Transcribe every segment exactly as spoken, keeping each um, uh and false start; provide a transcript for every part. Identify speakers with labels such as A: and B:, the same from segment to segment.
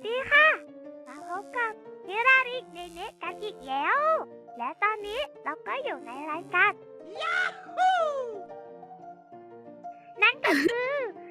A: ดีค่ะมาพบกับฮิราริเนเนะกันอีกแล้ว และตอนนี้เราก็อยู่ในรายการยาฮูนั่นก็คือ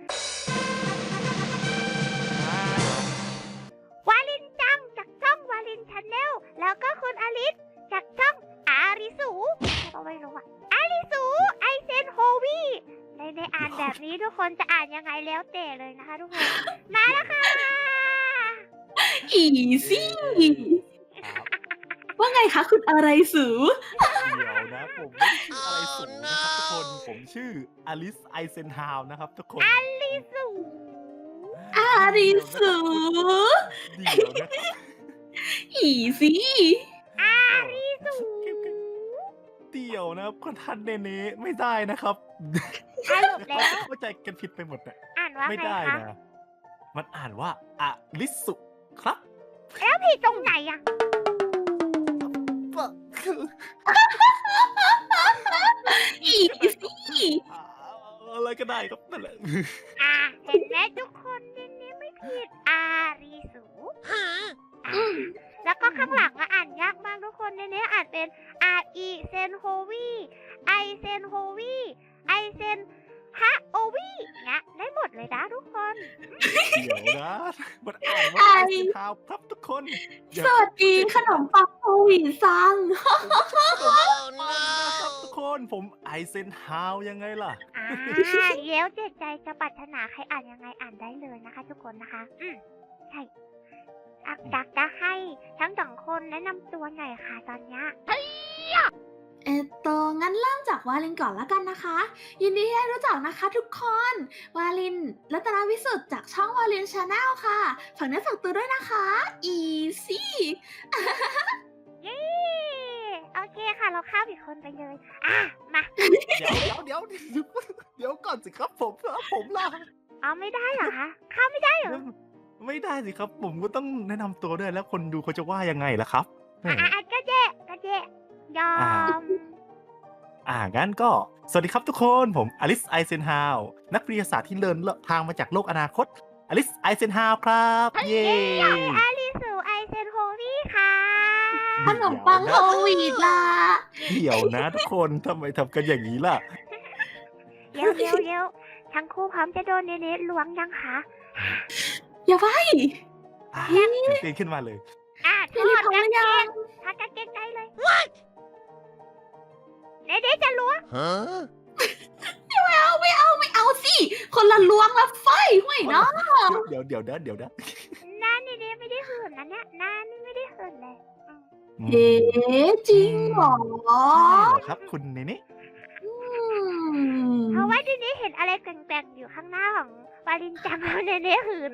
A: วาลินจังจากช่องวาลินชาแนลแล้วก็คุณอลิสจากช่องอาริสูเราไม่รู้อะอาริสูไอเซนโฮวีในในอ่านแบบนี้ทุกคนจะอ่านยังไงแล้วแต่เลยนะคะทุกคนมาแล้วค่ะ
B: อีซี่ว่าไงคะคุณอะไรสู
C: เดี๋ยวนะผมไม่ได้ชื่ออะไรสูนะครับทุกคนผมชื่ออลิสไอเซนฮาวนะครับทุกคน
A: อาริสู
B: อาริสู
C: เดี๋ยวนะครับ
B: อีซี่
A: อาริสู
C: เดี๋ยวนะครับคนทันเนเน่ไม่ได้นะครับ
A: สรุปแล้ว
C: เข้าใจกันผิดไปหมดนะ
A: อ่านว่า
C: ไม่
A: ไง
C: ได้
A: คะ
C: นะมันอ่านว่าอลิสุครับ
A: แล้วผิดตรงไหนอะ
B: อีซี่
C: อ่าอะไรก็ได้ครับนั่นแหละ
A: อ่าเห็นไหมทุกคนเนี่ยเนี่ยไม่ผิดอาริสูอ่าแล้วก็ข้างหลังอะอ่านยากมากทุกคนเนี่ยเนี่ยอ่านเป็นอาอีเซนโฮวีไอเซนโฮวีไอเซนฮะโอวีเนี่ยได้หมดเลยนะทุกคน
C: เดี๋ยวนะมันอ่านว่าไอเซนฮาวครับทุกคนอย่า
B: สวัสดีขนมปังโควิดซัง
C: นะครับทุกคนผมไอเซนฮาวยังไงล่ะ
A: อ่าเย้วเจ็ดใจจะปรารถนาใครอ่านยังไงอ่านได้เลยนะคะ ทุกคนนะคะ อืมใช่อักจักจะให้ทั้งสองคนแนะนำตัวหน่อยค่ะตอนเนี้ย
B: เอตโตงั้นเริ่มจากวาลินก่อนแล้วกันนะคะ ยินดีที่ได้รู้จักนะคะทุกคน วาลินรัตนวิสุทธ์จากช่องวาลินชาแนลค่ะฝากเนื้อฝากตัวด้วยนะคะอีซี่
A: เย้โอเคค่ะ เราข้ามอีกคนไปเลย อ่ะ มา
C: เดี๋ยวเดี๋ยวเดี๋ยวเดี๋ยวก่อนสิครับผมผมล่ะ
A: เอาไม่ได้เหรอคะข้ามไม่ได้เหรอ
C: ไม่ได้สิครับ ผมก็ต้องแนะนำตัวด้วยแล้วคนดูเขาจะว่ายังไงล่ะครับแหม
A: อ่ะอ่ะก็แย่ก็แย่ยอม
C: อ่างั้นก็สวัสดีครับทุกคนผมอลิสไอเซนฮาวนักวิทยาศาสตร์ที่เดินทางมาจากโลกอนาคตอลิสไอเซนฮาวครับเย้
A: อาลิสูไอเซนโฮวี่ค่ะ
B: ขนมปังโควิดล่ะ
C: เดี๋ยวนะทุกคนทำไมทำกันอย่างนี้ล่ะ
A: เร็วเร็วเร็วทั้งคู่พร้อมจะโดนเนเน่ล้วงยังคะ
B: อย่าไป
C: อ่ะตื่นเต้นขึ้นมาเลย
A: อ่ะถ
B: พี่
A: อ
B: ลิ
A: ด
B: พร้อม
A: กาง
B: หรือ
A: เก
B: ยัง
A: งถอดกางเกงได้เลยเนเน่จะล้วง
B: ไม่เอาไม่เอาไม่เอาสิ คนละลวงละไฟห่วยเนาะ
C: เดี๋ยวเดี๋ยวนะเดี๋ยวนะ
A: หน้าเนเน่ไม่ได้หื่นนะเนี่ยหน้านี่ไม่ได้หื่นเลยอืม
C: อืม
B: เอ๊ะจริงเหรอ
C: ใช่เหรอครับคุณเนเน่
B: อืม
A: เพราะว่าเนเน่เห็นอะไรแกว่งๆอยู่ข้างหน้าของวาลินจังแล้วเนเน่หื่น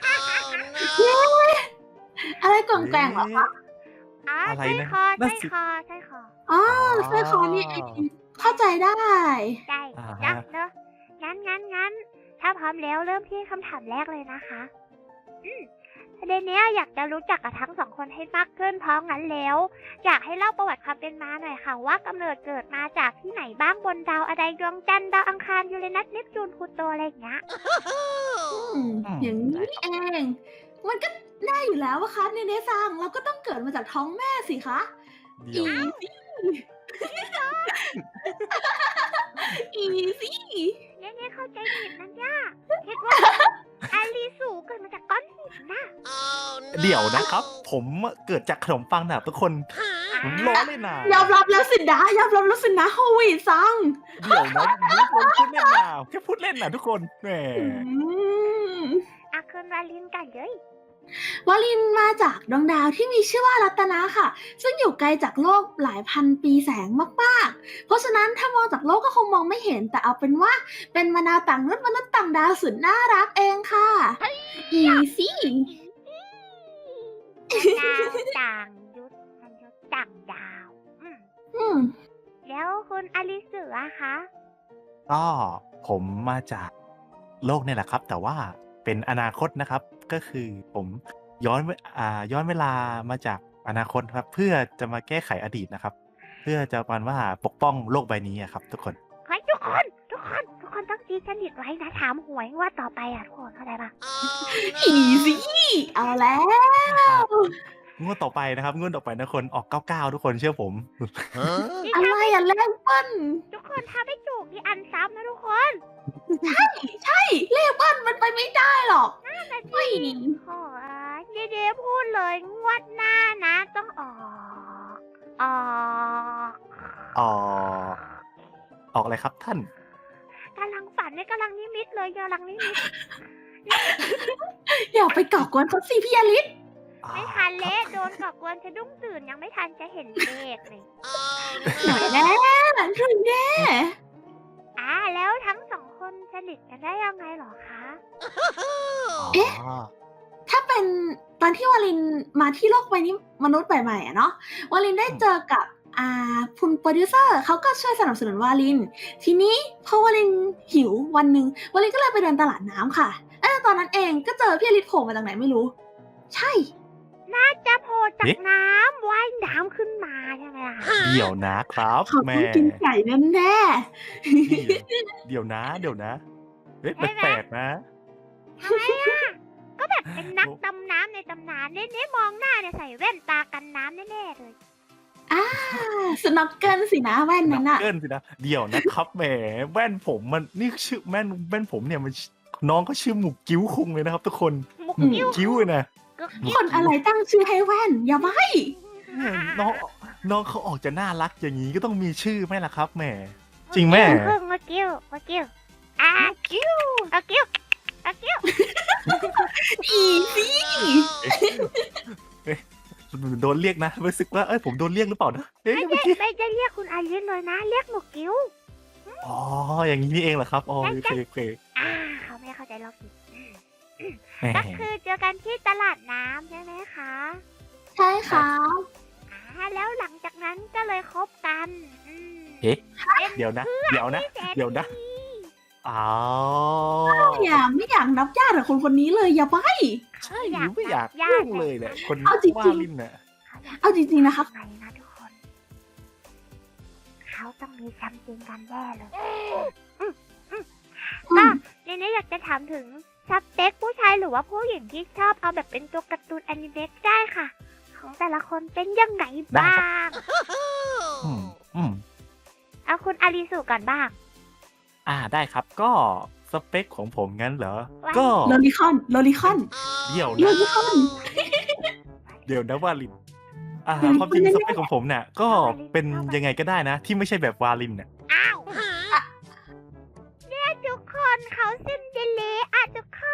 B: อะไรกล่องแกล่งเหรอคะ
A: อ๋อ
C: อะไร
A: ใช่
C: นะ
A: คอ
C: นั่
A: ใช่
C: นสิ
A: คอใช่คอ
B: อ๋อสร้อยคอนี่เองเข้าใจได้
A: ใช่
C: อ่า
A: นะ
C: ฮะ
A: เนอะงั้นงั้นงั้นถ้าพร้อมแล้วเริ่มที่คำถามแรกเลยนะคะอืมประเด็นเนี้ยอยากจะรู้จักกับทั้งสองคนให้มากขึ้นเพราะงั้นแล้ว อยากให้เล่าประวัติความเป็นมาหน่อยค่ะ ว่ากำเนิดเกิดมาจากที่ไหนบ้างบนดาวอะไรดวงจันทร์ดาวอังคารยูเรนัสเนปจูนพลูโตอะไรอย่างเงี้ย
B: อืมอย่างนี้เอง มันก็แน่อยู่แล้วว่าคะเนเนซังเราก็ต้องเกิดมาจากท้องแม่สิคะ
C: เดี๋ยว
B: อีซี่
A: เนี่ยเนี่ยเข้าใจผิดนะเนี่ยคิดว่าอาลีสูเกิดมาจากก้อนหินน่ะ
C: เดี๋ยวนะครับ ผมเกิดจากขนมปังนะครับทุกคนผมล้อเลยนะ
B: ยอมรับแล้วสินะยอมรับแล้วสินะโฮวีซัง
C: เดี๋ยวนะผมพูดเล่นนะแค่พูดเล่นนะทุกคนแหม
B: อืม
A: อาคืนวาลินกันเลยว
B: าลินมาจากดวงดาวที่มีชื่อว่ารัตนะค่ะ ซึ่งอยู่ไกลจากโลกหลายพันปีแสงมากๆ เพราะฉะนั้นถ้ามองจากโลกก็คงมองไม่เห็น แต่เอาเป็นว่าเป็นมนุษย์ต่างนุษย์มนุษย์ต่างดาวสุดน่ารักเองค่ะ อีซี่
A: ดาวต่างยุทธมนุษย์ต่างดาว อืม
B: อืม
A: แล้วคุณอลิสืออะคะ
C: ก็ผมมาจากโลกนี่แหละครับ แต่ว่าเป็นอนาคตนะครับ ก็คือผมย้อนเวอ่าย้อนเวลามาจากอนาคตครับ เพื่อจะมาแก้ไขอดีตนะครับ เพื่อจะประมาณว่าปกป้องโลกใบนี้อะครับ ทุกคน
A: เฮ้ยทุกคน ทุกคน ทุกคนต้องตีสนิทไว้นะถามหวยงว่าต่อไปอะทุกคนเข้าใจปะ
B: อีซี่เอาแล้ว
C: งวดต่อไปนะครับงวดต่อไปนะคนออกเก้าเก้าทุกคนเชื่อผม
A: นี่
B: อะไร
A: ถ้าไม่
B: อะเลขเบิ้ล
A: ทุกคนถ้าไม่ถูกนี่อันซ้ำนะทุกคน
B: ใช่เลขเบิ้ลมันไปไม่ได้หรอก
A: แต่
B: ไม่
A: โอ้ยเดี๋ยวๆพูดเลยงวดหน้านะต้องออกออก
C: ออกออกอะไรครับท่าน
A: กำลังฝันเนี่ยกำลังนิมิตเลยกำลังนิมิต
B: อย่าไปก่อกวนเขาสิพี่อลิส
A: ไม่ทันเละโดนก่อกวนสะดุ้งตื่นยังไม่ทันจะเห็นเลขเลย
B: หน่อยแน่ถึงแน่
A: อ่าแล้วทั้งสองคนสนิทกันได้ยังไงเหรอคะ
B: เอ๊ะ ถ้าเป็นตอนที่วาลินมาที่โลกใบนี้มนุษย์ใหม่ๆอะเนาะวาลินได้เจอกับอ่าคุณโปรดิวเซอร์เขาก็ช่วยสนับสนุนวาลิน ทีนี้พอวาลินหิววันหนึ่งวาลินก็เลยไปเดินตลาดน้ำค่ะเออตอนนั้นเองก็เจอพี่อลิสโผล่มาจากไหนไม่รู้ ใช่
A: น่าจะโผล่จาก
C: เอ๊ะ
A: น้ำว่ายน้ำขึ้นมาใช่ไหมล่ะ
C: เดี๋ยวนะครับ
B: เขา
C: แม่
B: ต้องกินไก่แน่
C: เดี๋ยวนะ เดี๋ยวนะเฮ้ย
A: ใช่ไหม
C: แปลกๆนะ
A: ทำไมอ่ะ ก็แบบเป็นนักดำน้ำในตำนานเน่ๆมองหน้าเนี่ยใส่แว่นตากันน้ำแน่ๆเลย
B: ๆอ่าสน็อกเกิลสินะแว่นนั้น
C: นั
B: อะ
C: กเกิลสินะเดี๋ยวนะครับแหมแว่นผมมันนี่ชื่อแว่นแว่นผมเนี่ยมันน้องก็ชื่อหมุกกิ้วคุงเลยนะครับ ทุกคน
A: หมุก
C: หมุก
A: กิ้ว
C: กิ้วเลยนะ
A: กึก
B: คนอะไรตั้งชื่อให้แว่นอย่าไว้
C: เนี่ยน้องน้องเขาออกจะน่ารักอย่างนี้ก็ต้องมีชื่อไหมล่ะครับแหมจริงแม่
A: ครึ่งหมุกกิ้วหมุกกิ้วอ่ะกิ้วอะกิ้วอะกิ้ว
B: อีสิ
C: โดนเรียกนะรู้สึกว่าเอ้ยผมโดนเรียกหรือเปล่านะเอ๊ะ
A: ไม่
C: เมื่อ
A: ได้
C: กี้
A: ไม่ได้เรียกคุณอาลินเลยนะ เรียกหมุกกิ้ว
C: อ๋ออย่างนี้นี่เองเหรอครับอ๋อโอเคโอเค
A: อ่าเขาไม่เข้าใจเราผิด
C: แหม
A: ก็คือเจอกันที่ตลาดน้ำใช่ไหมคะ
B: ใช่ค่ะ
A: อ่าแล้วหลังจากนั้นก็เลยคบกันอืม
C: เอ๊ะ
A: เป็น
C: เดี๋ยวนะ เดี๋ยวนะ
A: ที่แส
C: เดี๋ยวนะ อ๋อ
B: อย่าไม่อยากนับญาติกับคนคนนี้เลยอย่าไว้
C: ใช่หรือไม่อยาก
A: ญา
C: ยุ่
A: ติ
C: งเลยเนี่ยคน
B: เอาจริงๆ
C: ว่าลิ้นน่ะ
B: เอาจริงๆนะครับ
A: ทำไมนะทุกคน เขาต้องมีซัมติงกันแน่เลยอืมอืม
B: อื
A: ก็
B: ม
A: ทีนี้อยากจะถามถึงสเปคผู้ชายหรือว่าผู้หญิงที่ชอบเอาแบบเป็นตัวการ์ตูนแอนิเมะได้ค่ะ ของแต่ละคนเป็นยังไงบ้าง
C: อืมอืม
A: เอาคุณอาริสุก่อนบ้าง
C: อ่าได้ครับก็สเปคของผมงั้นเหรอ
A: ว่า
C: ก็
B: โลลิคอนโลลิคอน
C: เดี๋ยว
B: โล
C: นะ
B: ลิคอน
C: เดี๋ยวนะวาลิน อ่า
B: อืม
C: ความจริงสเปคของผมเนี่ยก็เป็นยังไงก็ได้นะ ที่ไม่ใช่แบบวาลินเนี่ย
A: อ้าวเนี่ยทุกคนเขาซินเดอเรลล่าทุกคน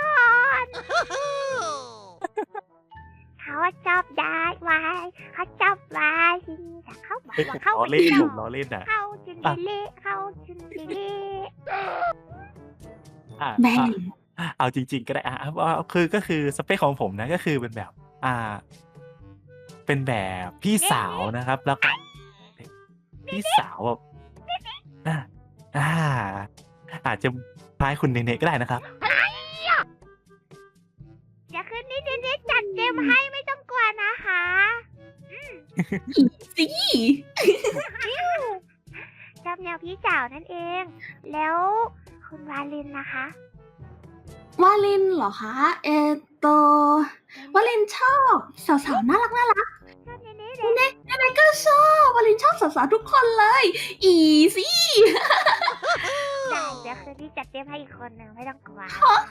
A: เขาชอบได้ไว้เขาชอบไว้แต่เขาบอก
C: เอ้ยผ
A: ว่าม เขา
C: ล้อเล่นผมล้อเล่นนะ
A: เขาซินเดอเรลล่าเขาซินเดอเรลล่า
C: อ่า
B: แม่ง
C: อ่ะเอาจริง ๆ ก็ได้อ่ะเอาเอาคือก็คือสเปคของผมนะก็คือเป็นแบบ อ่า เป็นแบบพี่สาวนะครับ แล้วก็พี่สาวแบบอ่าอ่า อาจจะคล้ายคุณเนเน่ก็ได้นะครับ
A: เดี๋ยวคืนนี้เดนเนสจัดเต็มให้ไม่ต้องกลัวนะคะ
B: สิ
A: ชอบแนวพี่สาวนั่นเอง แล้วคุณวาลินนะคะ
B: วาลินเหรอคะเออโตวาลินชอบสาวๆน่ารักน่ารัก
A: ชอบเนเน่เลย
B: เนก็ชอบวาลินชอบสาวๆทุกคนเลย อีสิ
A: ได้เดี๋ยวคืนนี้จัดเต็มให้อีกคนหนึ่งไม่ต้องกลัว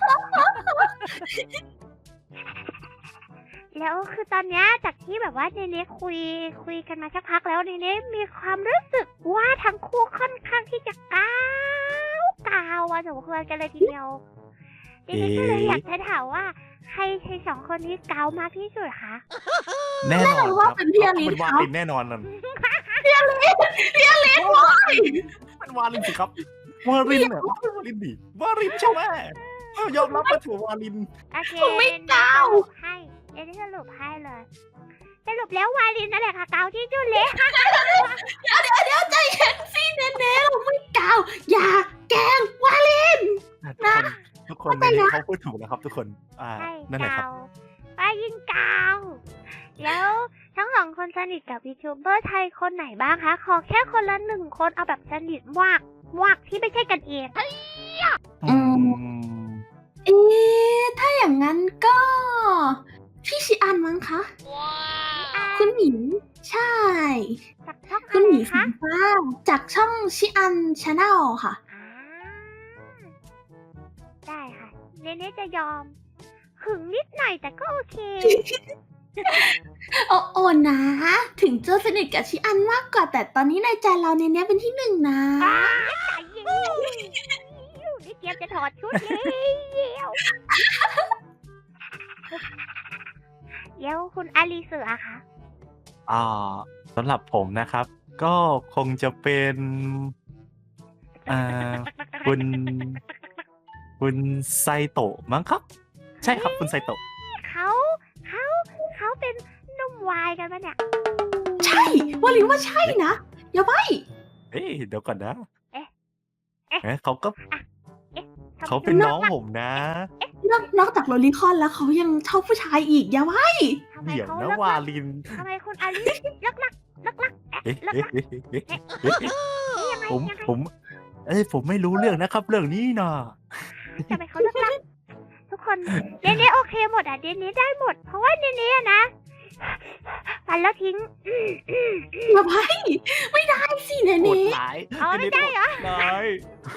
A: แล้วคือตอนเนี้ยจากที่แบบว่าเนเน่คุยคุยกันมาสักพักแล้วเนเน่มีความรู้สึกว่าทั้งคู่ค่อนข้างที่จะก้าวก้าวอะสมควรกันเลยทีเดียวเนเน่ก็เลยอยากจะถามว่าใครใครสองคนนี้ก้าวมากที่สุดคะ
C: แน่นอน
B: ว่า
C: ครับ
B: เป็นพี่อลิส
C: เป็นวา
B: ครับ
C: ลินแน่นอนนั่น
B: พี่อลิสพี่อลิสวาย
C: เป็นวาลินสิครับ วาลินเนี่ยวาลินดิวาลินใช่ไหมเอ้ายอมรับมาถือวาลิน
A: โอเค
B: ผมไม่ก้าว
A: สรุปให้เนเน่สรุปให้เลยสรุปแล้ววาลินนั่นแหละค่ะก้าวที่สุดเลย
B: เดี๋ยวเดี๋ยวเดี๋ยวใจเย็นสิเนเน่เราไม่กล่าวอย่าแกล้งวาลิน
C: ทุกคนทุกคนในนี้เขาพูดถูกนะครับ ทุกคน อ่า
A: ใช่
C: นั่นแหละครับ
A: กาวป้ายิงกาวแล้วทั้งสองคนสนิทกับยูทูบเบอร์ไทยคนไหนบ้างคะ ขอแค่คนละหนึ่งคนเอาแบบสนิทมากมากที่ไม่ใช่กันเอง
B: อืม เอ๊ะถ้าอย่างนั้นก็พี่ชิอันมั้งคะ
A: อ่า
B: คุณหมีใช่
A: จากช่อง
B: คุ
A: อะ
B: ณห
A: ไร
B: มีสี
A: คะ
B: ฟ้าจากช่องชิอันชาแนลค่ะ
A: อ่าได้ค่ะเนเน่จะยอมหึงนิดหน่อยแต่ก็โอเค
B: โอ้โอนะ ถึงจะสนิทกับชิอันมากกว่า แต่ตอนนี้ในใจเราเนเน่เป็นที่หนึ่งนะ
A: อ้าใจเย็นนี่เตรียมจะถอดชุดแล้วเดี๋ยวคุณอาลีเสือคะ
C: อ่าสำหรับผมนะครับ ก็คงจะเป็นอ่าคุณคุณไซโตะมั้งครับ ใช่ครับคุณไซโตะ
A: เขาเขาเขาเป็นหนุ่มวายกันปะเนี่ย
B: ใช่วาลินว่าใช่นะ อย่าไป
C: เอ้ยเดี๋ยวก่อนนะ
A: เอ๊ะเอ๊ะ
C: เอ๊ะเขาก็
A: ทำไม
C: เขาเป็น
A: ดู
C: น้องผมนะ
B: นอกนอกจากโรลลิคอนแล้วเขายังชอบผู้ชายอีก อย่าไป
A: ทำไม
C: เดี๋ยว
A: เขา
C: นะ
A: เลิก
C: วา
A: ลัก
C: ลิน
A: ทำไมคุณอาลีเลิกลักเลิกลักเอ๊ะ
C: เอ๊ะ
A: เลิก
C: เอ๊ะ
A: ลัก
C: เอ๊ะเอ๊ะเอ๊ะ
A: นี่ยังไง
C: ผม
A: ยังไง
C: ผม เอ้ยผมไม่รู้เรื่องนะครับ เรื่องนี้นะ
A: ทำไมเขาเลิกลักทุกคนเนเน่โอเคหมดอ่ะเนเน่ได้หมด เพราะว่าเนเน่อะนะฟันแล้วทิ้งอืมอืมอืม
B: อย่าไป ไม่ได้สิเน
C: โหด
B: เน่
C: ร้าย
A: เอาไม่ได้เหรอ
C: โหดร้าย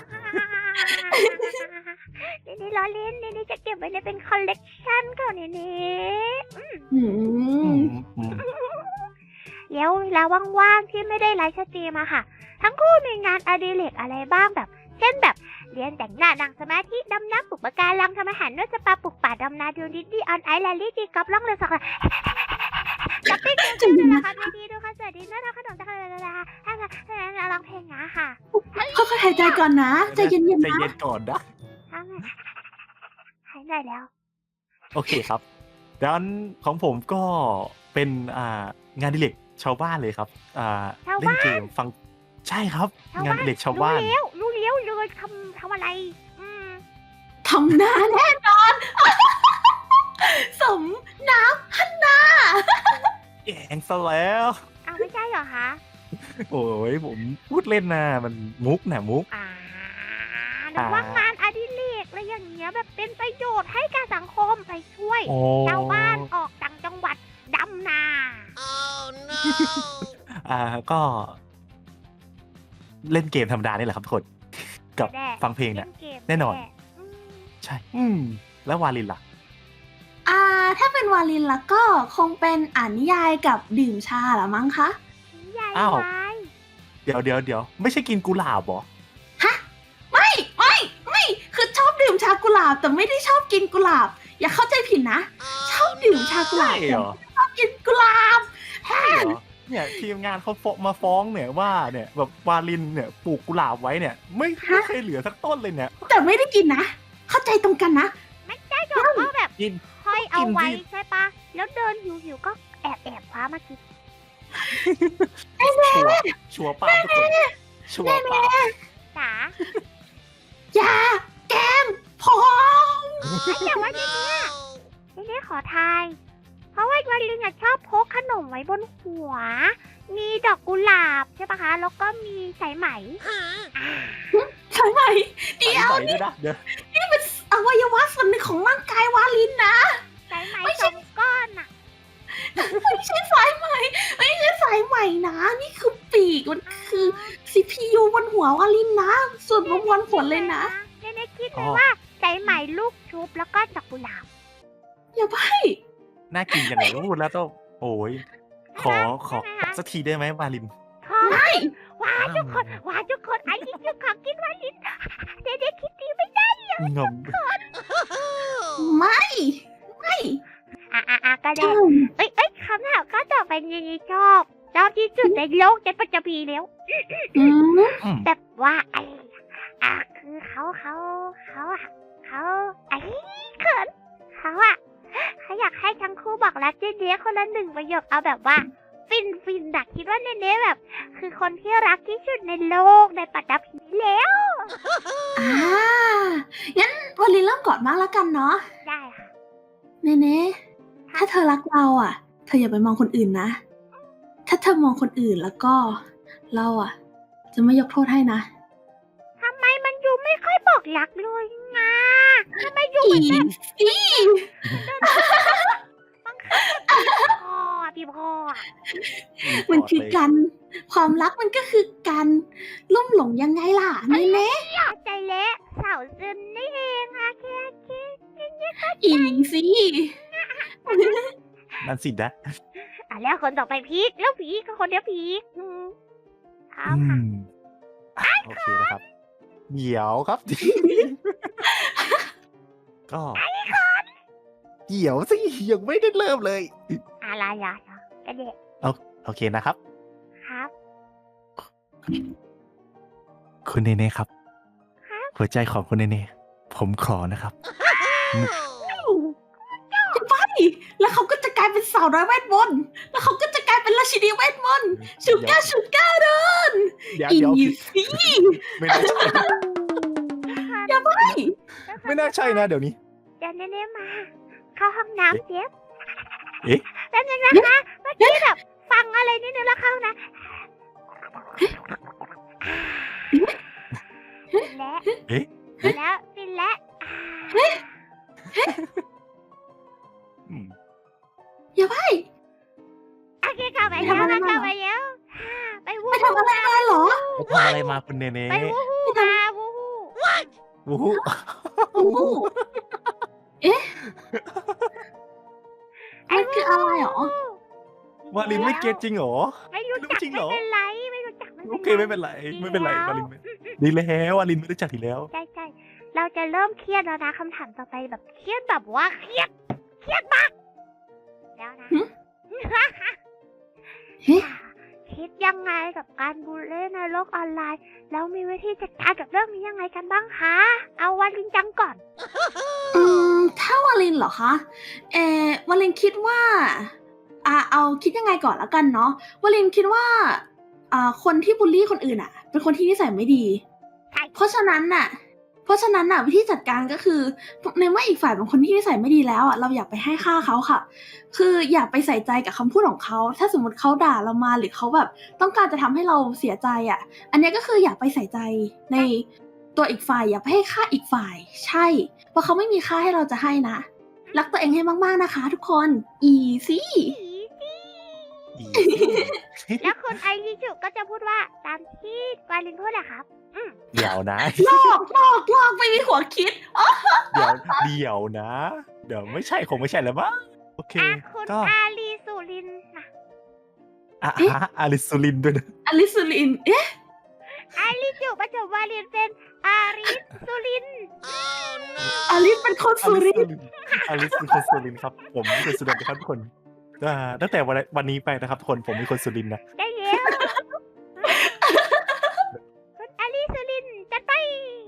A: เนเน่ล้อเล่นเนเน่จะเก็บไว้ในเป็นคอลเลกชันของเนเน่อืม
B: อื
C: อื
B: ม
C: มอืม
A: แล้วเวลาว่างๆที่ไม่ได้ไลฟ์สตรีมอะค่ะ ทั้งคู่มีงานอดิเรกอะไรบ้างแบบ เช่นแบบเรียนแต่งหน้านั่งสมาธิดำน้ำปลูกปะการังทำอาหารนวดสปาปลูกป่าดำนาดูดิดดี้ออนไอแลนลี่ตีกอล์ฟล่องเรือสักช้อปปิ้งดูซีรีส์ละครเวทีดูคอนเสิร์ตดินเนอร์ทำขนมจากอะไรอะไรให้ร้องเพลงนะค่ะ
B: ค่อยๆหายใจก่อนนะ ใจเย็น
C: ใจ
B: ๆนะ
C: เย็นก่อนนะ
A: ทำไมหายเหนื่อยแล้ว
C: โอเคครับด้านของผมก็เป็นอ่างานอดิเรกชาวบ้านเลยครับอ่า
A: ชาว
C: เล่
A: บ้าน
C: นเกมฟังใช่ครับ
A: ชาว
C: งาน
A: บ้า
C: อน ดิเรกชาวบ้าน
A: รู้แล้วรู้แล้วเลยทำทำอะไร อืม
B: ทำหน้าแน่นอน สมน้ำฮันนา
C: แกงซะแล้ว
A: เอาไม่ใช่เหรอคะ
C: โอ้ยผมพูดเล่นนะมันมุกนะมุก
A: อ่าหรือว่างานอดิเรกอะไรอย่างเงี้ยแบบเป็นประโยชน์ให้กับสังคมไปช่วย
C: โอ้
A: ชาวบ้านออกต่างจังหวัดดำนา
C: อ่าก็ เล่นเกมธรรมดานี่แหละครับทุกคนกับ
A: แน่
C: ฟังเพลงเนี่ย
A: ล่กม
C: แน่นอน
A: อืม
C: ใช่ อืม แล้ววาลินล่ะ
B: อ่า ถ้าเป็นวาลินแล้วก็คงเป็นอ่านนิยายกับดื่มชาละมั้งคะ
A: นิยาย
C: อ้าว
A: วาย
C: เดี๋ยวเดี๋ยวเดี๋ยวไม่ใช่กินกุหลาบเหรอ
B: ฮะ ไม่ ไม่ ไม่ คือชอบดื่มชากุหลาบ แต่ไม่ได้ชอบกินกุหลาบ อย่าเข้าใจผิดนะ ชอบดื่มชากุหลาบ
C: ใช่เหรอ
B: แต่ไม่ชอบกินกุหลาบ
C: ใช่เหรอเนี่ยทีมงานเขาฟ้องมาฟ้องเนี่ยว่าเนี่ยแบบวาลินเนี่ยปลูกกุหลาบไว้เนี่ย ไม่ไม่เคยเหลือสักต้นเลยเนี่ย
B: แต่ไม่ได้กินนะ เข้าใจตรงกันนะ
A: ไม่ใช่หรอกก็แบบ
C: กิน
A: ห้อยเอาไว้
C: กินสิ
A: ใช่ปะแล้วเดินหิวหิวๆก็แอบแอบคว้ามากิน
C: ชัวร์ชัวร์ป้าทุกคนชัวร์ป้า
A: จ๋า
B: อย่า แกมพอง
A: ไอ้แต่ว่าทีเนี้ยทีเนี้ยขอทาย เพราะว่าวันลิงอะชอบพกขนมไว้บนหัว มีดอกกุหลาบใช่ปะคะ แล้วก็มีสายไหมอ่า
B: ใช่ไหมเดี๋ยว
C: ใส่ด้วยนะเดี๋ยว
B: อวัยวะส่วนหนึ่งของร่างกายวาลินนะ
A: สายไหมสองก้อนอะ
B: ไม่ใช่สายไหมไม่ใช่สายไหมนะ นี่คือปีกมันคือ ซี พี ยู บนหัววาลินนะ ส่วนบนวันขนเลยนะ
A: เนเน่คิดเลยว่าสายไหมลูกชุบแล้วก็ดอกกุหลาบ
B: อย่าไป
C: น่ากินอย่างไรก็พูดแล้วต้องโอ้ยขอขอสักทีได้ไหมวาลิน
A: ขอว้าทุกคนว้าทุกคนไอ้ยิ่งจุกของกินวันลินเนเน่คิดดีไม่ได้
C: งม
B: ไม่ ไม่
A: อ่ะอ่ะอ่ะก็ได้
B: ใช่
A: เอ้ยเอ้ยคำถามก็ต่อไปเนเน่ชอบชอบที่สุดในโลกในปัจจุบันแล้ว
B: อืม
C: อืม
A: แบบว่าไอ้อ่ะคือเขาเขาเขาอะเขาไอ้เขินเขาอะเขาอยากให้ทั้งคู่บอกรักเจเนี้คนละหนึ่งประโยคเอาแบบว่า ฟินฟินดักคิดว่าเนเน่แบบ คือคนที่รักที่สุดในโลกในปัตตภีแล้ว
B: อ่า งั้นวาลินเริ่มก่อนมากแล้วกันเนาะ
A: ได้ค่ะ
B: เนเน่ถ้าเธอรักเราอ่ะ เธออย่าไปมองคนอื่นนะ ถ้าเธอมองคนอื่นแล้วก็ เราอ่ะ จะไม่ยกโทษให้นะ
A: ทำไมมันอยู่ไม่ค่อยบอกรักเลยนะทำไมอยู่
B: อี
A: มันแบบ
B: อี
A: บังค
C: รีพ
B: มัน
C: อร์ต
B: คือ
C: เลย
B: การความรักมันก็คือการลุ่มหลงยังไงล่ะเนเน่
A: เข้าใจแล้วสาวซึนนี่เองอะแค่แค่แค่แค่เข้าใจ
B: อีสิ
C: นั่นสินะ
A: อ่ะแล้วคนต่อไปพีคแล้วพีคก็คนเดียวพีคอืมครั
C: อื
A: บค่ะ
C: มอ่ะโอเคนะครับ เดี๋ยวครับ ก็เดี๋ยวสิยังไม่ได้เริ่มเลย
A: อะไรอ่ะกระเดะ
C: เอาโอเคนะครับ
A: ครับ
C: คุณเนเน่ครับ
A: ครับ
C: หัวใจของคุณเนเน่ผมขอนะครับ
B: จะไปแล้วเขาก็จะกลายเป็นสาวน้อยเวทมนต์แล้วเขาก็จะกลายเป็นราชินีเวทมนต์ชูก้าชูก้าเดิน
C: เดี๋ยว
B: อี
C: เดี๋ยว
B: สิ
C: ไม่น่าใช่
B: อย่าไป
C: ไม่น่าใช่นะเดี๋ยวนี้
A: เดี๋ยวเน่ๆมา เข้าห้องน้ำเจ๊บ
C: เอ๊ะ
A: แป๊บนึงนะคะเมื่อกี้แบบฟังอะไรนิดนึงแล้วเข้านะฟินแล้ว
C: เอ๊ะ
A: ฟินแล้วฟินแล้ว
C: อืม
B: อย่าไป
A: โอเคเข้าไปแล้วมาเข้าไปแล้วไปวู้
B: ไปทำอะไรมาเหรอ
C: ไปทำอะไรมาคุณเนเน่
A: ไปวู้ฮู้มาวู้ฮู้
C: วู้ฮู้
B: โอ้โหเอ๊ะมันคืออะไรหรอ
C: วาลินไม่เก็ตจริงเหรอ
A: ไม่รู้จัก
C: จริงเหร
A: ไม่
C: อ
A: เป็นไรไม่รู้จักไม่
C: โอ
A: เป็นไร
C: เคไม่เป็นไรไม่เป็นไรวาลินไม่ดีแล้ววาลินไม่รู้จักทีแล้ว
A: ใช่ใช่เราจะเริ่มเครียดแล้วนะคำถามต่อไปแบบเครียดแบบว่าเครียดเครียดมากแล้วนะ
B: หึ เฮ้ย
A: คิดยังไงกับการบูลลี่ในโลกออนไลน์ แล้วมีวิธีจัดการกับเรื่องนี้ยังไงกันบ้างคะ เอาวาลินจังก่อน
B: อืมถ้าวาลินเหรอคะ เออวาลินคิดว่าอ่าเอาคิดยังไงก่อนแล้วกันเนาะวาลินคิดว่าอ่าคนที่บูลลี่คนอื่นอ่ะ เป็นคนที่นิสัยไม่ดี
A: ใช่
B: เพราะฉะนั้นน่ะ เพราะฉะนั้นน่ะวิธีจัดการก็คือในเมื่ออีกฝ่ายเป็นคนที่นิสัยไม่ดีแล้วอ่ะเราอย่าไปให้ค่าเขาค่ะ คืออย่าไปใส่ใจกับคำพูดของเขา ถ้าสมมติเขาด่าเรามาหรือเขาแบบต้องการจะทำให้เราเสียใจอ่ะ อันเนี้ยก็คืออย่าไปใส่ใจในตัวอีกฝ่ายอย่าไปให้ค่าอีกฝ่าย ใช่ เพราะเขาไม่มีค่าให้เราจะให้นะ รักตัวเองให้มากๆนะคะ ทุกคน อีซี่
A: อีซี่
C: อี
A: แล้วคุณไอริจุก็จะพูดว่าตามที่วาลินพูดอะครับ อืม
C: เดี๋ยวนะ
B: ลอกลอกลอกไม่มีหัวคิด
C: เดี๋ยวเดี๋ยวนะ เดี๋ยวไม่ใช่คงไม่ใช่แล้วมั้งโอเค
A: อ่ะคุณ
C: ก็
A: อาลีสุรินทร์นะ
C: อ่ะฮะอาริสุลินด้วยนะ
B: อลิสุลิน เอ๊ะ
A: ไอริจุประจบวาลินเป็นอาริสุรินทร์
B: อลิสเป็นคน
C: อา
B: สุ
C: ริ
B: รินทร์
C: สุลินอาริสเป็นคนสุรินทร์ครับ ผมเป็นสุรินทร์นะครับทุกคนอ่าตั้งแต่วันวันนี้ไปนะครับทุกคนผมเป็นคนสุรินทร์นะ
A: ได้แล้วคุณอาลีสุรินทร์จัดไป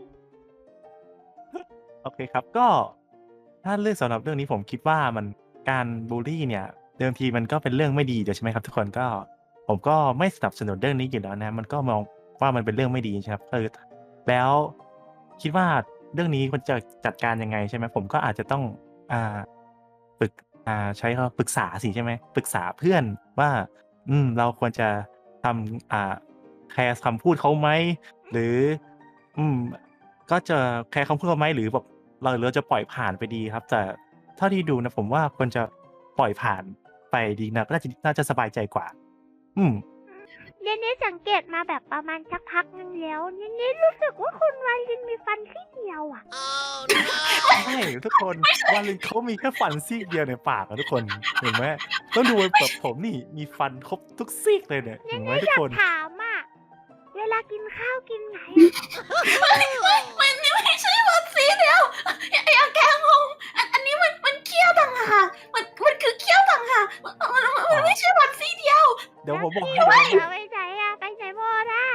C: โอเคครับ ก็ถ้าเรื่องสำหรับเรื่องนี้ผมคิดว่ามันการบูลลี่เนี่ย เดิมทีมันก็เป็นเรื่องไม่ดีเดี๋ยวใช่ไหมครับทุกคนก็ ผมก็ไม่สนับสนุนเรื่องนี้อยู่แล้วนะ มันก็มองว่ามันเป็นเรื่องไม่ดีใช่ไหมครับคือแล้วคิดว่าเรื่องนี้ควรจะจัดการยังไงใช่ไหมผมก็อาจจะต้องอ่าปรึกอ่าใช้คำว่าปรึกษาสิใช่ไหมปรึกษาเพื่อนว่า อืม เราควรจะทำอ่าแคร์คำพูดเขาไหมหรือ อืม ก็จะแคร์คำพูดเขาไหมหรือแบบเราเราจะปล่อยผ่านไปดีครับ แต่เท่าที่ดูนะผมว่าควรจะปล่อยผ่านไปดีนะน่าจะน่าจะสบายใจกว่า อืม
A: เนเน่สังเกตมาแบบประมาณสักพักนึงแล้วเนเน่รู้สึกว่าคุณวาลินมีฟันซี่เดียวอ่ะ
C: ใช่ทุกคนวาลินเขามีแค่ฟันซี่เดียวในปากอะทุกคนเห็นไหมต้องดูแบบผมนี่มีฟันครบทุกซี่เลยเนี่ยเห็นไหมทุกคน
A: ถามอ่ะ เวลากินข้าวกินไง
B: มันนี่ไม่ใช่วันสีเดียวอย่าอย่าแกงงอันอันนี้มันมันเคี้ยวต่างหากมันมันคือเคี้ยวต่างหากมันมันมันไม่ใช่วันสีเดียว
C: เดี๋ยวผมบอกให้เดี๋ยวผมบอก
A: เอาไปไหนอ่ะไปไหนหมดอ่ะ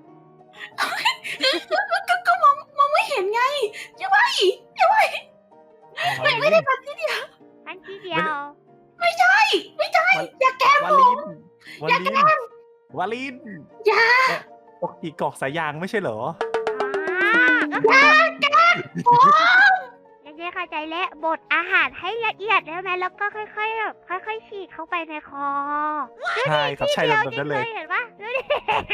B: ก็ก็มองมองไม่เห็นไงอย่าไปอย่าไปไม่ไม่ได้วันสีเดียว
A: ฟันซี่เดียว
B: ไม่ใช่ไม่ใช่อย่าแกง
C: วาง ลินวาลินวาลิน
B: อย่า
C: ปกติกรอกสายยางไม่ใช่เหรอ
A: อ่าก็คือเนเน่เข้าใจแล้วบดอาหารให้ละเอียดแล้วไหมแล้วก็ค่อยๆแบบค่อยๆฉีดเข้าไปในคอ
C: ใช่ครับใช่แบบนั้นเลย
A: เห็นปะดูดิ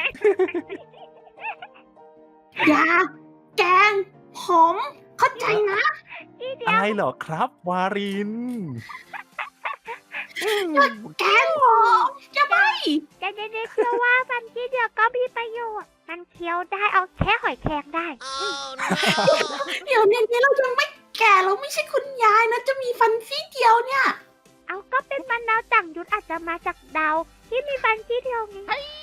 B: อย่าแกงผมเข้าใจนะ
A: ทีเดี
C: อะ
A: ยว
C: ไรเหรอครับ วาริน
A: อืม
B: แกล้งผมอย่าไป
A: แต่เด็กๆเชื่อว่าฟันซี่เดียวก็มีประโยชน์มันเคี้ยวได้เอาแค่หอยแครงได้อืม
B: เดี๋ยวนี้เรายังไม่แก่เราไม่ใช่คุณยายนะจะมีฟันซี่เดียวเนี่ย
A: เอาก็เป็นมันดาวต่างยุทธอาจจะมาจากดาวที่มีฟันซี่เดียวไง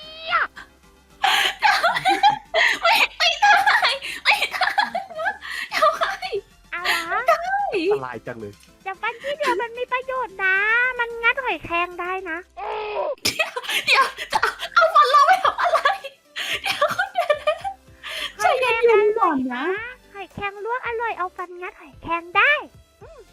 B: ไม่ไม่ได้ไม่ได้ทำไม
A: เอาเหรอ
C: อันตรายจังเลย
A: แต่ฟันซี่เดียวมันมีประโยชน์นะ มันงัดหอยแครงได้นะ
B: เดี๋ยวจะเอาฟันเราไปทำอะไร เดี๋ยวเดี๋ยวใจเย็นๆก่อนนะ
A: หอยแครงลวกอร่อยเอาฟันงัดหอยแครงได้
C: อืม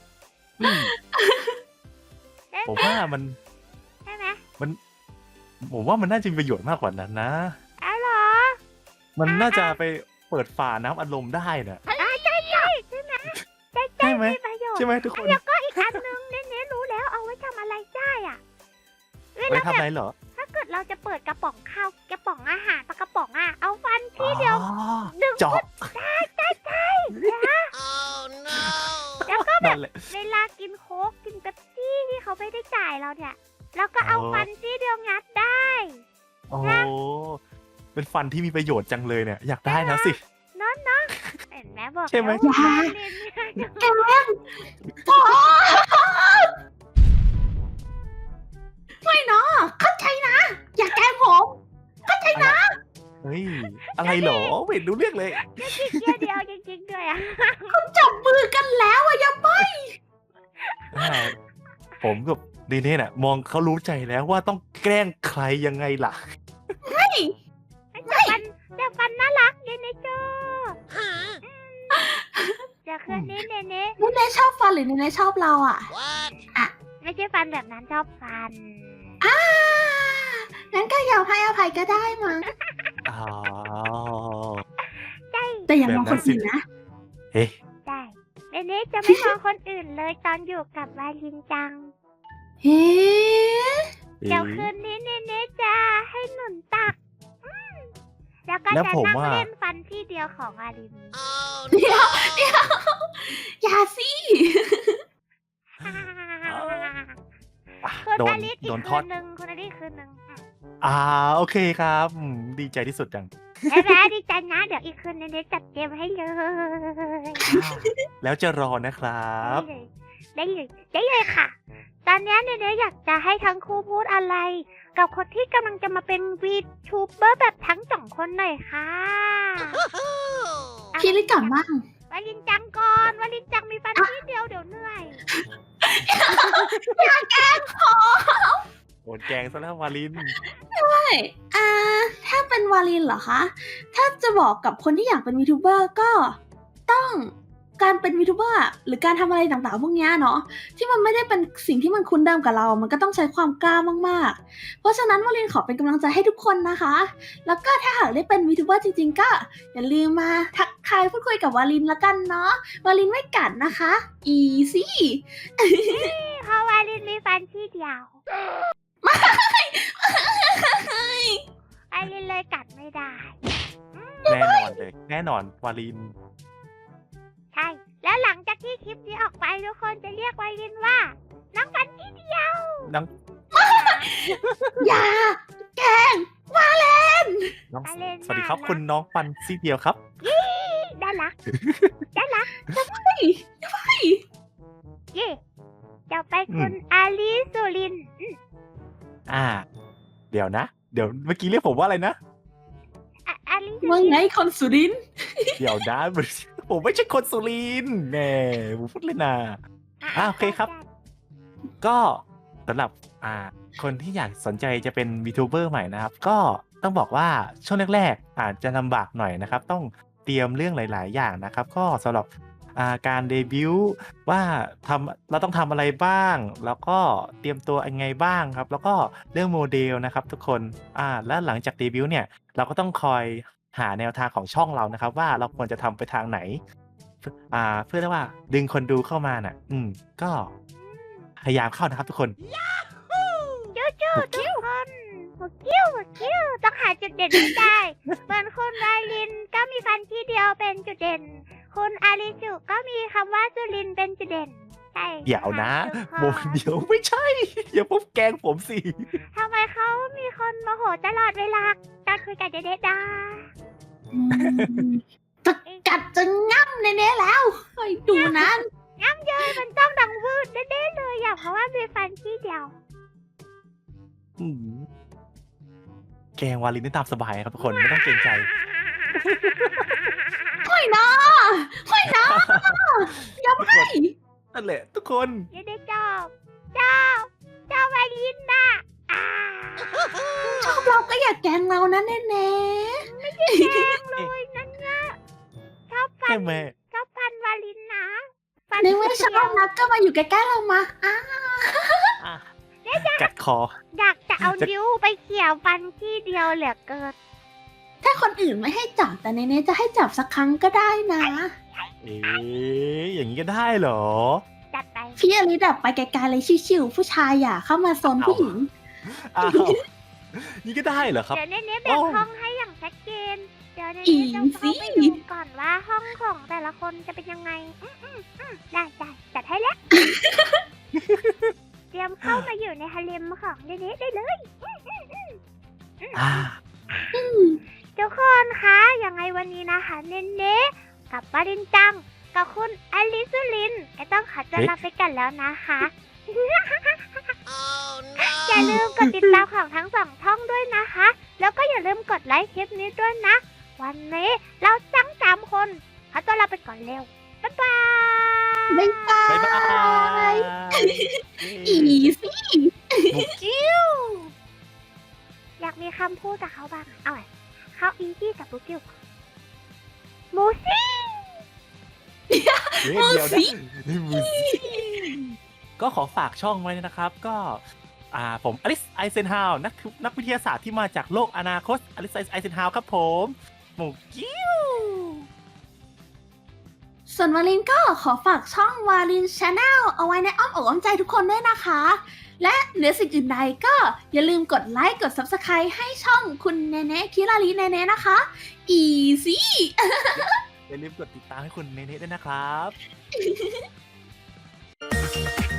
A: ได้
C: ผม
A: ไหม
C: ว่ามัน
A: ใช่ไหม
C: ผมว่ามันน่าจะมีประโยชน์มากกว่านั้นนะ
A: เอาเหรอ
C: มันน่าจะไปเปิดฝาน้ำอัดลมได้น่ะ
A: อ่าใช่ใช่ใช่ไหมใช่
C: ใช่ไหม
A: มีประโยชน์
C: ใช่ไหมทุกคน
A: แล้วก็อีกอันนึงเน้นๆรู้แล้วเอาไว้ทำอะไรได้อ่ะเว
C: ไว้
A: ลา
C: ทำ
A: แบ
C: อะไร
A: บ
C: เหรอ
A: ถ้าเกิดเราจะเปิดกระป๋องข้าวกระป๋องอาหารปลากระป๋องอ่ะเอาฟันที่เดียว
C: อ๋อ
A: ดึง
C: เจาะ
A: ใช่ใช่ใช่นะแล้วก็แบบ
C: นั่นแหละ
A: เวลากินโค้กกินเป๊ปซี่ที่เขาไม่ได้จ่ายเราเนี่ยเราก็เอา
C: อ๋อ
A: ฟันที่เดียวงัดได้
C: โอ้โหเป็นฟันที่มีประโยชน์จังเลยเนี่ย อยากได้แล้วสิ
A: เนาะเนาะเห็นไหมบอก
C: ใช่ไหม
A: แล้วว่าเรียนไม่ได้
B: แกล้งพ่อไม่เนาะเข้าใจนะ อย่าแกล้งผม เข้าใจนะ
C: เฮ้ย อะไรเหรอไม่เห็นรู้เรื่องเลย
A: จะกินเกียร์เดียวจริงๆด้วยอ่ะ
B: จับมือกันแล้วอะอย่าไป
C: อ่าผมกับดีเน่น่ะ มองเขารู้ใจแล้วว่าต้องแกล้งใครยังไงล่ะ
A: แต่ฟันแต่ฟันน่ารักเนเน่เจอจะคืนนี้เนเน่
B: เนเน่ชอบฟันหรือเนเน่ชอบเราอะ
A: ไม่ใช่ฟันแบบนั้นชอบฟัน
B: อ่างั้นก็ยอมให้อภัยก็ได้มั้ง
C: อ๋อ
A: ใช่
B: แต่อย่ามองคนอื่นนะ
C: เฮ้ย
A: ใช่เนเน่จะไม่มองคนอื่นเลยตอนอยู่กับวาลินจัง
B: เฮ้
A: เดี๋ยวคืนนี้เนเน่จะให้หนุนตักอืมแล้วก็
C: แล้ว
A: จะ
C: ผม
A: นั่ง
C: ว่า
A: เล่นฟันที่เดียวของวาลิน
B: เดี๋ยวเดี๋ยวอย่าสิ
C: อ่ะ
A: คุณ
C: โดน
A: อลิสอี
C: โด
A: ก
C: นท
A: คื
C: อด
A: นหนึ่งคุณอลิสคืนหนึ่งอืม
C: อ่าโอเคครับอืมดีใจที่สุดจัง
A: ใช่ไหมดีใจนะเดี๋ยวอีกคืนเนเน่จัดเกมให้เลย
C: แล้วจะรอนะครับ
A: ได้เลยได้เลยได้เลยค่ะ ตอนนี้เนเน่อยากจะให้ทั้งคู่พูดอะไร กับคนที่กำลังจะมาเป็นวีทูเบอร์แบบทั้งสองคนหน่อยค่ะ
B: พี่ลิก่อนบ้าง
A: วาลินจังก่อนวาลินจังมีฟันที่เดียวเดี๋ยวเหนื่อย
B: อย่าแกล้งผม
C: โดนแกงซะแล้ววาลิน
B: ใช่อ่าถ้าเป็นวาลินเหรอคะ ถ้าจะบอกกับคนที่อยากเป็นวีทูเบอร์ก็ต้องการเป็นวีทูเบอร์อะหรือการทำอะไรต่างๆพวกเนี้ยเนาะที่มันไม่ได้เป็นสิ่งที่มันคุ้นเดิมกับเรา มันก็ต้องใช้ความกล้ามากๆ เพราะฉะนั้นวาลินขอเป็นกำลังใจให้ทุกคนนะคะ แล้วก็ถ้าหากได้เป็นวีทูเบอร์จริงๆ ก็อย่าลืมมาทักทายพูดคุยกับวาลินละกันเนาะวาลินไม่กัดนะคะ อีซี่
A: เพราะวาลินมีฟันที่เดียววาลินเลยกัดไม่ได้
C: แน่นอนเลย แน่นอนวาลิน
A: ใช่ แล้วหลังจากที่คลิปนี้ออกไปทุกคนจะเรียกวาลินว่าน้องฟันที่เดียว
C: น้อง
B: อย่าแกล้งวาเลน
C: น้อง
A: วาเลน
C: สวัสดีครับ
A: น่ารัก
C: คุณน้องปันซี่เดียวครับ
A: ได้รักได้รัก
B: เฮ้ย
A: เย่จะไปคุณอาลีสุรินทร์อืม
C: อ่า เดี๋ยวนะ เดี๋ยวเมื่อกี้เรียกผมว่าอะไรนะ
A: อ่ะอาลีสุ
B: ว่า
A: ริน
B: ไง
A: ทร์
B: คนสุรินทร์
C: เดี๋ยวนะ ผมไม่ใช่คนสุรินทร์แหมผมพูดเลยนะ อ่ะโอเคครับ ก็สำหรับอ่าคนที่อยากสนใจจะเป็นวีทูเบอร์ใหม่นะครับ ก็ต้องบอกว่าช่วงแรกๆอาจจะลำบากหน่อยนะครับ ต้องเตรียมเรื่องหลาย ๆ อย่างนะครับ ก็สำหรับอ่าการเดบิวต์ว่าทำเราต้องทำอะไรบ้าง แล้วก็เตรียมตัวยังไงบ้างครับ แล้วก็เรื่องโมเดลนะครับทุกคนอ่าแล้วหลังจากเดบิวต์เนี่ยเราก็ต้องคอยหาแนวทางของช่องเรานะครับ ว่าเราควรจะทำไปทางไหน อ่าเพื่อที่ว่าดึงคนดูเข้ามาน่ะ อืมก็พยายามเข้านะครับทุกคน
A: จู้จู้ทุกคนหัวกิ้วหัวกิ้วต้องหาจุดเด่นให้ได้ เหมือนคุณวาลินก็มีฟันที่เดียวเป็นจุดเด่น คุณอาริจุก็มีคำว่าสุรินทร์เป็นจุดเด่นใช่
C: เดี๋ยวนะ
A: ค่
C: โมเดี๋ยวไม่ใช่ อย่าปุ๊บแกล้งผมสิ
A: ทำไมเขามีคนโมโหตลอดเวลาการคุยกับเด็กๆดา
B: อืมจะกัดจะง่ำแน่ๆแล้วคอยดูนะ
A: ย้ำเยยมันต้องดังวืดแน่ๆเลยอ่ะเพราะว่ามีฟันที่เดียว
C: อืมแกล้งวาลินได้ตามสบายครับทุกคนไม่ต้องเกรงใจ
B: ค่อยนะค่อยนะอย่าไม่
C: นั่นแหละ ทุกคน
A: เด็กๆเจ้าเจ้าเจ้าวาลินน่ะอ่า
B: ชอบเราก็อย่าแกล้งเรานะแน่
A: แกล้งเลยนั่นเนี่ยชอบฟั
C: ใช่
A: น
C: ไหม
A: ชอบฟันวาลินนะฟัน
B: ๆในเมื่อชอบนะก็มาอยู่ใกล้ๆเรามาอ่ะ
C: อ่ะกัดคอ
A: อยากจะเอานิ้วไปเขี่ยฟันที่เดียวเหลือเกิน
B: ถ้าคนอื่นไม่ให้จับแต่ในนี้จะให้จับสักครั้งก็ได้นะ
C: เอ๊ะอย่างนี้ก็ได้เหรอ
A: จัดไป
B: พี่อลิดับไปไกลๆเลยชิวๆผู้ชายอย่าเข้ามาโซนผู้หญิง
C: อ้าว นี่ก็ได้เหรอครับ
A: เดี๋ยวเนเน่แบ่ง
C: โอ้
A: ห้องให้อย่างชัดเจน เดี๋ยวเน
B: อี
A: เน่ต้องเข้า
B: สิ
A: ไปดูก่อนว่าห้องของแต่ละคนจะเป็นยังไง อืมอืมอืมได้ได้จัดให้แล้ว เตรียมเข้ามาอยู่ในฮาเร็มของเนเน่ได้เลย
C: อ่า
A: ทุกคนคะยังไงวันนี้นะคะ เนเน่กับปารินจัง กับคุณอลิสุลินก็ต้องขอตัวลาไปกันแล้วนะคะ อย่าลืมกดติดตามของทั้งสองช่องด้วยนะคะ แล้วก็อย่าลืมกดไลค์คลิปนี้ด้วยนะ วันนี้เราจังสามคนขอตัวลาไปก่อนเร็ว บ๊ายบาย
B: บ๊ายบา
C: บ๊ายบาย ย
B: อีสิ
C: บุกกิ้ว
A: อยากมีคำพูดกับเขาบ้างอะเอาไว้เขาอีซี่กับบุกิวมูซี่
C: เดี๋ยวนะนี่มูสิก็ขอฝากช่องไว้นะครับ ก็อ่าผมอลิสไอเซนฮาวนักนักวิทยาศาสตร์ที่มาจากโลกอนาคตอลิสไอเซนฮาวครับผมหมูกิ้ว
B: ส่วนวาลินก็ขอฝากช่องวาลินชาแนลเอาไว้ในอ้อมอกอ้อมใจทุกคนด้วยนะคะ และเหนือสิ่งอื่นใดก็อย่าลืมกดไลค์กด ซับสไครบ์ ให้ช่องคุณเนเน่คิราลีเนเน่นะคะ อีซี่
C: อย่าลืมกดติดตามให้คุณเนเน่ด้วยนะครับ